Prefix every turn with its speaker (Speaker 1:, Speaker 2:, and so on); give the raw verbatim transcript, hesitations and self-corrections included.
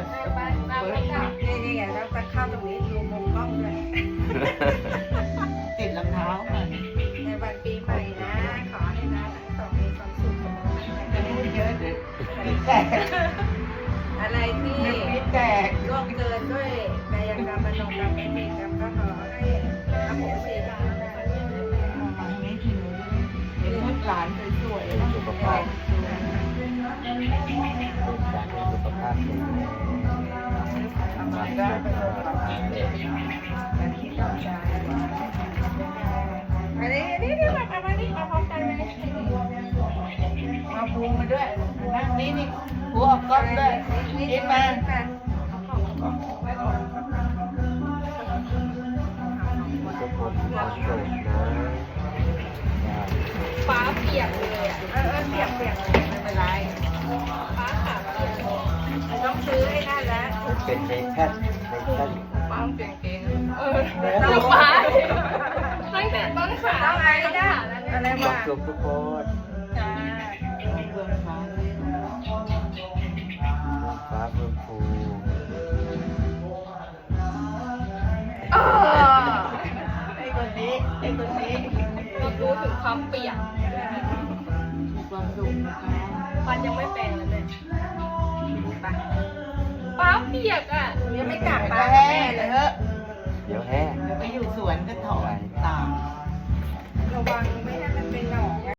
Speaker 1: บ้านบ้านไม่กลับนี่นี่ไงแล้วจะเข้าตรงนี้ดูมุมกล้องด้วย
Speaker 2: ติดรองเท้าค่ะ
Speaker 1: ในวันปีใหม่นะ ขอให้นะสองมีความสุขสมหวัง
Speaker 2: จะพูดเยอะเดี๋ยวปีแตก
Speaker 1: อะไรที่
Speaker 2: เดี๋ยวปีแตก
Speaker 1: ล่วงเกินด้วยกายกรรมมโนกรรมไม่มีกรรมก็ขอให้อโหสิกรรมนะ
Speaker 2: ทางนี้ทีนี้เห็นลูกหลานสวยๆนะ
Speaker 3: สุขภาพสุขภาพสุขภาพแข็งแรงทำงานได้ประสบความสำเร็จ
Speaker 1: อันนี้อันนี้นี่มาทำอันนี้มาพร้อมกันเลย
Speaker 2: มาปูมาด้วยนั่งนี่นี่หัวออกกล้องด้วยกินมา
Speaker 3: ทุกคนมีความสุขนะ
Speaker 1: ฟ้าเปียกเลยอ่ะเออเออเปียกเปียกไม่เป็นไรฟ้าขาเปียกต้องซื้อให้นั่นแล้ว
Speaker 3: เป็นในแท่นในแท่น
Speaker 1: ฟ้าเปียกเก่งเออ
Speaker 2: ต้
Speaker 1: ต้
Speaker 2: อ
Speaker 1: อง ง
Speaker 2: ฟ้า
Speaker 1: ฟ้าตั้งแต่ต้นขาต้องไอ้นะอะไร
Speaker 3: ควาว
Speaker 1: ะ
Speaker 3: มสุขทุกคน
Speaker 1: จ้า
Speaker 2: เบื้องฟ้า
Speaker 3: ฟ้าเพิ่มฟู
Speaker 1: อ๋อ
Speaker 2: ไอ้คนนี้ไอ้คนนี้
Speaker 1: รับรู้ถึงความเปียก
Speaker 2: มีความสุขนะคะ
Speaker 1: ฟันยังไม่เป็นเลยเนี่ยฟ้าเปียกอ่ะยังไม่กลับ
Speaker 2: ไป
Speaker 1: บ้าน
Speaker 2: แห้
Speaker 1: แม่
Speaker 2: ง
Speaker 1: เล
Speaker 2: เลย ยเถอะ
Speaker 3: เดี๋ยวแห้ง
Speaker 2: เดี๋ยวไปอยู่สวนก็ถอนตาม
Speaker 1: ระวังไม่ให้มันเป็นหนอน